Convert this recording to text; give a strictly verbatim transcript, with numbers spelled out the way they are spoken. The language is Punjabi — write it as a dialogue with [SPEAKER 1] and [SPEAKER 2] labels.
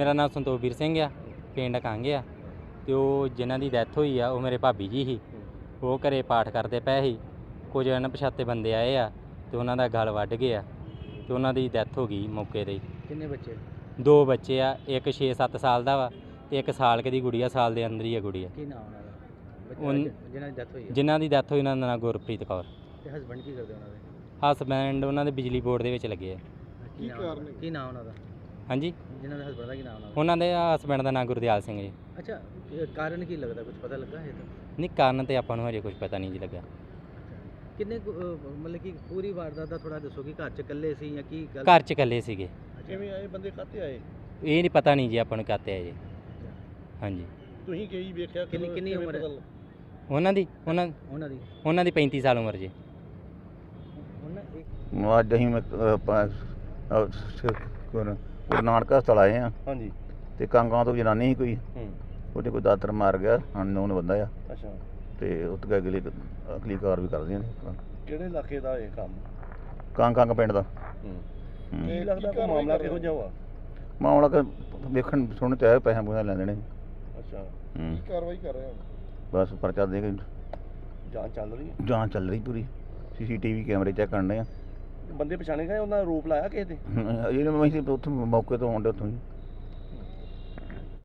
[SPEAKER 1] ਮੇਰਾ ਨਾਮ ਸੰਤੋਖਵੀਰ ਸਿੰਘ ਆ, ਪਿੰਡ ਕੰਗ ਆ। ਤੇ ਉਹ ਜਿਨ੍ਹਾਂ ਦੀ ਡੈਥ ਹੋਈ ਆ ਉਹ ਮੇਰੇ ਭਾਬੀ ਜੀ ਸੀ। ਉਹ ਘਰੇ ਪਾਠ ਕਰਦੇ ਪਏ ਸੀ। ਕੁਝ ਅਣਪਛਾਤੇ ਬੰਦੇ ਆਏ ਆ ਤੇ ਉਹਨਾਂ ਦਾ ਗਲ ਵੱਢ ਗਿਆ ਤੇ ਉਹਨਾਂ ਦੀ ਡੈਥ ਹੋ ਗਈ ਮੌਕੇ 'ਤੇ ਹੀ।
[SPEAKER 2] ਕਿੰਨੇ ਬੱਚੇ?
[SPEAKER 1] ਦੋ ਬੱਚੇ ਆ, ਇੱਕ ਛੇ ਸੱਤ ਸਾਲ ਦਾ ਵਾ ਤੇ ਇੱਕ ਸਾਲ ਕੁ ਦੀ ਗੁੜੀਆ, ਸਾਲ ਦੇ ਅੰਦਰ ਹੀ ਆ ਗੁੜੀਆ।
[SPEAKER 2] ਕੀ ਨਾਮ ਉਹਨਾਂ ਦਾ ਬੱਚਾ
[SPEAKER 1] ਉਨ-
[SPEAKER 2] ਜਿ- ਜਿਨ੍ਹਾਂ ਦੀ ਡੈਥ ਹੋਈ ਹੈ?
[SPEAKER 1] ਜਿਨ੍ਹਾਂ ਦੀ ਡੈਥ ਹੋਈ ਉਹਨਾਂ ਦਾ ਨਾਂ ਗੁਰਪ੍ਰੀਤ ਕੌਰ।
[SPEAKER 2] ਤੇ ਹਸਬੰਡ ਕੀ ਕਰਦੇ ਉਹਨਾਂ ਦੇ?
[SPEAKER 1] ਹਸਬੈਂਡ ਉਹਨਾਂ ਦੇ ਬਿਜਲੀ ਬੋਰਡ ਦੇ ਵਿੱਚ ਲੱਗੇ ਆ।
[SPEAKER 2] ਕੀ ਕਾਰਨ? ਕੀ ਨਾਮ ਉਹਨਾਂ ਦਾ?
[SPEAKER 1] ਹਾਂਜੀ,
[SPEAKER 2] ਜਿਨ੍ਹਾਂ ਦੇ ਹਸਬੰਡ ਦਾ ਕੀ ਨਾਮ ਉਹਨਾਂ ਦਾ?
[SPEAKER 1] ਉਹਨਾਂ ਦੇ ਹਸਬੈਂਡ ਦਾ ਨਾਂ ਗੁਰਦਿਆਲ ਸਿੰਘ ਜੀ।
[SPEAKER 2] ਅੱਛਾ, ਇਹ ਕਾਰਨ ਕੀ ਲੱਗਦਾ, ਕੁਝ ਪਤਾ ਲੱਗਾ ਹੈ ਤਾਂ?
[SPEAKER 1] ਨਹੀਂ, ਕਾਰਨ ਤੇ ਆਪਾਂ ਨੂੰ ਹਜੇ ਕੁਝ ਪਤਾ ਨਹੀਂ ਜੀ ਲੱਗਾ।
[SPEAKER 2] ਕਿੰਨੇ ਕੁ, ਅਹ, ਮਤਲਬ ਕਿ ਪੂਰੀ ਵਾਰਦਾਤ ਦਾ ਥੋੜਾ ਦੱਸੋ ਕਿ ਘਰ ਚ ਇਕੱਲੇ ਸੀ ਜਾਂ ਕੀ ਗੱਲ?
[SPEAKER 1] ਘਰ 'ਚ ਇਕੱਲੇ ਸੀਗੇ।
[SPEAKER 2] ਕਿਵੇਂ ਆਏ ਬੰਦੇ, ਕਾਹਤੇ ਆਏ?
[SPEAKER 1] ਇਹ ਨਹੀਂ ਪਤਾ ਨਹੀਂ ਜੀ ਆਪਾਂ ਨੂੰ ਕਾਤੇ ਆ ਜੀ। ਹਾਂਜੀ,
[SPEAKER 2] ਤੁਸੀਂ ਕੀ ਵੇਖਿਆ? ਕਿੰਨੀ ਕਿੰਨੀ ਉਮਰ ਹੈ
[SPEAKER 1] ਉਹਨਾਂ ਦੀ ਉਹਨਾਂ
[SPEAKER 2] ਉਹਨਾਂ ਦੀ?
[SPEAKER 1] ਉਹਨਾਂ ਦੀ ਪੈਂਤੀ ਸਾਲ ਉਮਰ ਜੀ।
[SPEAKER 2] ਉਹਨਾਂ ਇੱਕ
[SPEAKER 3] ਅੱਜ ਅਸੀਂ ਮੈਂ ਆਪਾਂ ਗੁਰੂ ਨਾਨਕ ਹਸਪਤਾਲ ਆਏ ਹਾਂ।
[SPEAKER 2] ਹਾਂਜੀ।
[SPEAKER 3] ਤੇ ਕਾਂਗਾਂ ਤੋਂ ਜਨਾਨੀ ਸੀ ਕੋਈ,
[SPEAKER 2] ਹੂੰ।
[SPEAKER 3] ਉਹਦੇ ਕੋਈ ਦਾਤਰ ਮਾਰ ਗਿਆ, ਅਨਨੋਨ ਬੰਦਾ ਆ।
[SPEAKER 2] ਅੱਛਾ।
[SPEAKER 3] ਤੇ ਉੱਥੇ ਅਗਲੀ ਅਗਲੀ ਕਾਰ ਵੀ ਕਰਦੀਆਂ ਨੇ।
[SPEAKER 2] ਕਿਹੜੇ ਇਲਾਕੇ ਦਾ ਇਹ ਕੰਮ?
[SPEAKER 3] ਕਾਂਗ ਕਾਂਗ ਪਿੰਡ ਦਾ।
[SPEAKER 2] ਹੂੰ।
[SPEAKER 3] ਹੂੰ।
[SPEAKER 2] ਕੀ ਲੱਗਦਾ ਕੋਈ ਮਾਮਲਾ ਕਿਹੋ ਜਿਹਾ ਹੋਆ?
[SPEAKER 3] ਮਾਮਲਾ ਕਿ ਵੇਖਣ ਸੁਣਨ ਤੇ ਆਇਆ, ਪੈਸੇ ਪੂਸੇ ਲੈਂਦੇ ਨੇ।
[SPEAKER 2] ਅੱਛਾ।
[SPEAKER 3] ਹੂੰ।
[SPEAKER 2] ਕਾਰਵਾਈ ਕਰ ਰਹੇ ਹੋ?
[SPEAKER 3] ਬਸ ਪਰਚਾ ਦੇ ਕੇ
[SPEAKER 2] ਜਾਂਚ ਚੱਲ ਰਹੀ ਹੈ?
[SPEAKER 3] ਜਾਂਚ ਚੱਲ ਰਹੀ ਪੂਰੀ। ਸੀਸੀਟੀਵੀ ਕੈਮਰੇ ਚੈੱਕ ਕਰਨੇ ਆ।
[SPEAKER 2] ਬੰਦੇ ਪਛਾਣੇ ਗਏ, ਉਹਨਾਂ ਦਾ ਰੂਪ ਲਾਇਆ ਕਿਸੇ ਤੇ?
[SPEAKER 3] ਇਹ ਮੈਂ ਉੱਥੋਂ ਮੌਕੇ ਤੋਂ ਆਉਂਦੇ ਉੱਥੋਂ ਹੀ